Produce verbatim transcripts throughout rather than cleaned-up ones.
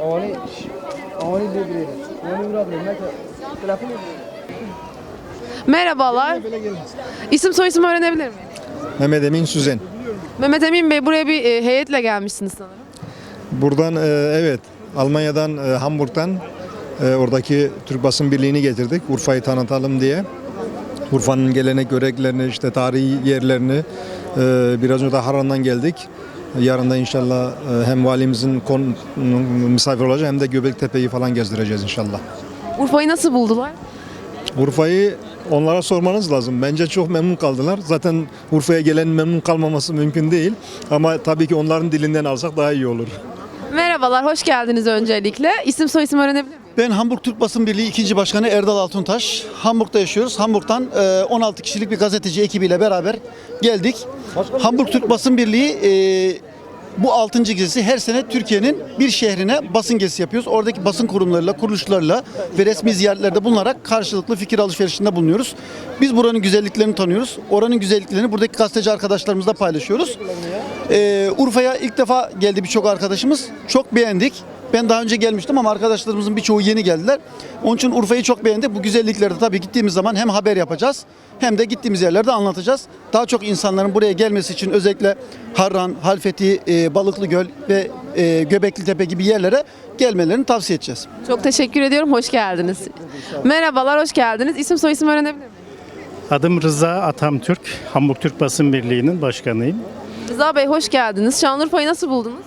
Oni, oni devreye. Oni uğradı. Telefon. Merhabalar. İsim soyisim öğrenebilir miyim? Mehmet Emin Süzen. Mehmet Emin Bey, buraya bir e, heyetle gelmişsiniz sanırım. Buradan e, evet Almanya'dan e, Hamburg'dan e, oradaki Türk Basın Birliği'ni getirdik. Urfa'yı tanıtalım diye. Urfa'nın gelenek göreneklerini, işte tarihi yerlerini e, biraz önce de Harran'dan geldik. Yarın da inşallah e, hem valimizin kon, misafir olacak hem de Göbeklitepe'yi falan gezdireceğiz inşallah. Urfa'yı nasıl buldular? Urfa'yı onlara sormanız lazım. Bence çok memnun kaldılar. Zaten Urfa'ya gelen memnun kalmaması mümkün değil. Ama tabii ki onların dilinden alsak daha iyi olur. Merhabalar, hoş geldiniz öncelikle. İsim soyisim öğrenebilir miyim? Ben Hamburg Türk Basın Birliği ikinci Başkanı Erdal Altuntaş. Hamburg'da yaşıyoruz. Hamburg'dan on altı kişilik bir gazeteci ekibiyle beraber geldik. Hamburg Türk Basın Birliği e, bu altıncı gezisi her sene Türkiye'nin bir şehrine basın gezisi yapıyoruz. Oradaki basın kurumlarıyla, kuruluşlarla ve resmi ziyaretlerde bulunarak karşılıklı fikir alışverişinde bulunuyoruz. Biz buranın güzelliklerini tanıyoruz. Oranın güzelliklerini buradaki gazeteci arkadaşlarımızla paylaşıyoruz. Ee, Urfa'ya ilk defa geldi birçok arkadaşımız. Çok beğendik. Ben daha önce gelmiştim ama arkadaşlarımızın birçoğu yeni geldiler. Onun için Urfa'yı çok beğendik. Bu güzellikleri de tabii gittiğimiz zaman hem haber yapacağız hem de gittiğimiz yerlerde anlatacağız. Daha çok insanların buraya gelmesi için özellikle Harran, Halfeti, e, Balıklıgöl ve e, Göbeklitepe gibi yerlere gelmelerini tavsiye edeceğiz. Çok teşekkür ediyorum, hoş geldiniz. Merhabalar, hoş geldiniz. İsim soyisim öğrenebilir miyim? Adım Rıza Atamtürk, Hamburg Türk Basın Birliği'nin başkanıyım. Rıza Bey, hoş geldiniz. Şanlıurfa'yı nasıl buldunuz?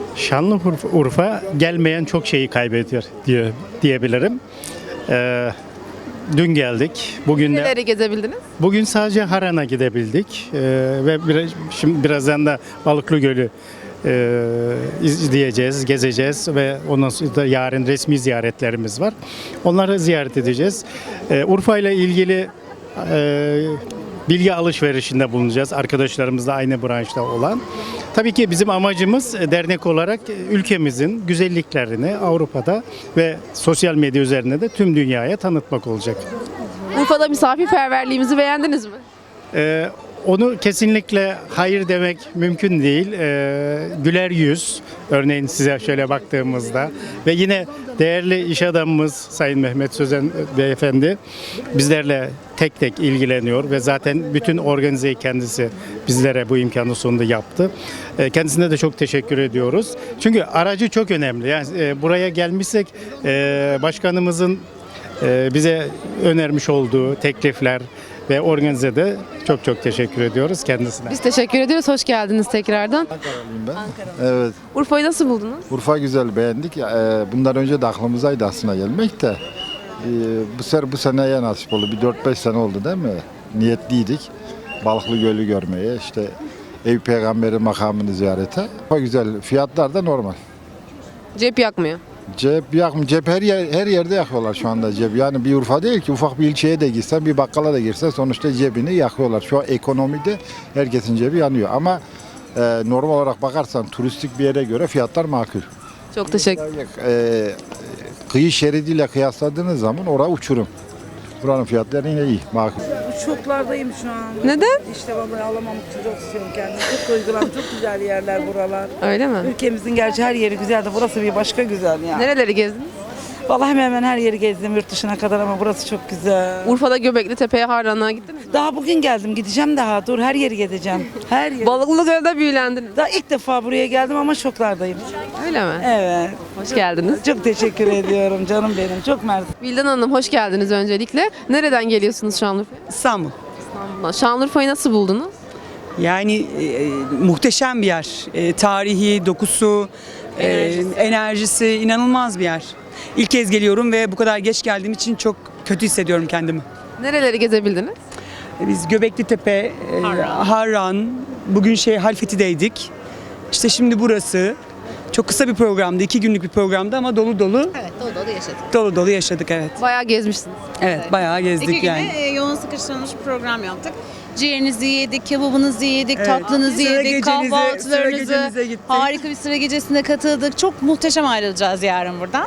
Şanlıurfa gelmeyen çok şeyi kaybediyor diye diyebilirim. Ee, dün geldik. Bugün de Neleri gezebildiniz? bugün sadece Harran'a gidebildik Ee, ve biraz, şimdi birazdan da Balıklı Gölü e, izleyeceğiz, gezeceğiz ve ondan sonra da yarın resmi ziyaretlerimiz var. Onları ziyaret edeceğiz. Ee, Urfa ile ilgili e, bilgi alışverişinde bulunacağız. Arkadaşlarımızla aynı branşta olan. Tabii ki bizim amacımız dernek olarak ülkemizin güzelliklerini Avrupa'da ve sosyal medya üzerinde de tüm dünyaya tanıtmak olacak. Urfa'da misafirperverliğimizi beğendiniz mi? Ee, onu kesinlikle hayır demek mümkün değil. Ee, güler yüz, örneğin size şöyle baktığımızda ve yine değerli iş adamımız Sayın Mehmet Sözen Beyefendi bizlerle tek tek ilgileniyor ve zaten bütün organizeyi kendisi bizlere bu imkanı sonunda yaptı. Ee, kendisine de çok teşekkür ediyoruz. Çünkü aracı çok önemli. Yani e, buraya gelmişsek e, başkanımızın e, bize önermiş olduğu teklifler ve organizede çok çok teşekkür ediyoruz kendisine. Biz teşekkür ediyoruz, hoş geldiniz tekrardan. Ankaralıyım ben. Evet. Urfa'yı nasıl buldunuz? Urfa güzel, beğendik. Ee, Bundan önce de aklımızdaydı aslında gelmek de. Ee, Bu sefer bu seneye nasip oldu. Bir dört beş sene oldu değil mi? Niyetliydik. Balıklı Gölü görmeye, işte Eyüp Peygamberi makamını ziyarete. Urfa güzel. Fiyatlar da normal. Cep yakmıyor. Cep yakım, cep her yer, her yerde yakıyorlar şu anda cep. Yani bir Urfa değil ki, ufak bir ilçeye de girsen, bir bakkala da girsen sonuçta cebini yakıyorlar. Şu an ekonomide herkesin cebi yanıyor ama e, normal olarak bakarsan turistik bir yere göre fiyatlar makul. Çok teşekkür E, kıyı şeridiyle kıyasladığınız zaman orası uçurum. Buranın fiyatları yine iyi, makul. Şoklardayım şu an. Neden? İşte vallahi alamamak için çok istiyorum kendimi. Çok duygulandım. Çok güzel yerler buralar. Öyle mi? Ülkemizin gerçi her yeri güzel de burası bir başka güzel yani. Nereleri gezdiniz? Vallahi hemen hemen her yeri gezdim yurt dışına kadar ama burası çok güzel. Urfa'da Göbeklitepe'ye, Harran'a gittiniz mi? Daha bugün geldim. Gideceğim daha. Dur her yeri gezeceğim. Her yeri. Balıklıgöl'de büyülendiniz. Daha ilk defa buraya geldim ama şoklardayım. Öyle mi? Evet. Hoş geldiniz. Çok teşekkür ediyorum canım benim. Çok mersi. Vildan Hanım, hoş geldiniz öncelikle. Nereden geliyorsunuz Şanlıurfa'ya? İstanbul. İstanbul'dan. Şanlıurfa'yı nasıl buldunuz? Yani e, muhteşem bir yer. E, tarihi, dokusu, enerjisi. E, enerjisi inanılmaz bir yer. İlk kez geliyorum ve bu kadar geç geldiğim için çok kötü hissediyorum kendimi. Nereleri gezebildiniz? E, biz Göbeklitepe, e, Harran, bugün şey Halfeti'deydik. İşte şimdi burası. Çok kısa bir programdı, iki günlük bir programdı ama dolu dolu. Evet, dolu dolu yaşadık. Dolu dolu yaşadık, evet. Bayağı gezmişsiniz. Evet, bayağı gezdik İki güne yani. e, yoğun sıkıştırılmış bir program yaptık. Ciğerinizi yedik, kebabınızı yedik, Evet. tatlınızı Sıra yedik, gecenize, sıra kahvaltılarınızı. gecemize gittik. Harika bir sıra gecesine katıldık. Çok muhteşem ayrılacağız yarın buradan. Evet.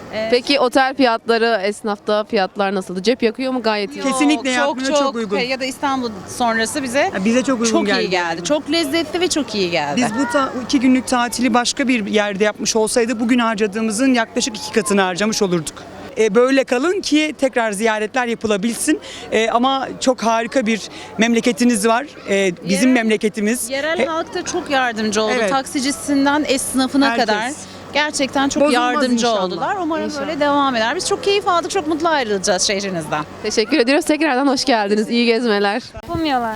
Ee, Peki otel fiyatları, esnafta fiyatlar nasıldı? Cep yakıyor mu? Gayet iyi. Yok. Kesinlikle çok yapmıyor, çok uygun. Ya da İstanbul sonrası bize Ya bize çok uygun çok geldi. iyi geldi. Çok lezzetli ve çok iyi geldi. Biz bu ta- iki günlük tatili başka bir yerde yapmış olsaydık bugün harcadığımızın yaklaşık iki katını harcamış olurduk. E, böyle kalın ki tekrar ziyaretler yapılabilsin. E, ama çok harika bir memleketiniz var. E, bizim Yerel- memleketimiz. Yerel E, halk da çok yardımcı oldu. Evet. Taksicisinden esnafına Herkes. kadar. Gerçekten çok Bozulmaz yardımcı inşallah. oldular. Umarım İnşallah. böyle devam eder. Biz çok keyif aldık. Çok mutlu ayrılacağız şehrinizden. Teşekkür ediyoruz. Tekrardan hoş geldiniz. İyi gezmeler. Yapamıyorlar.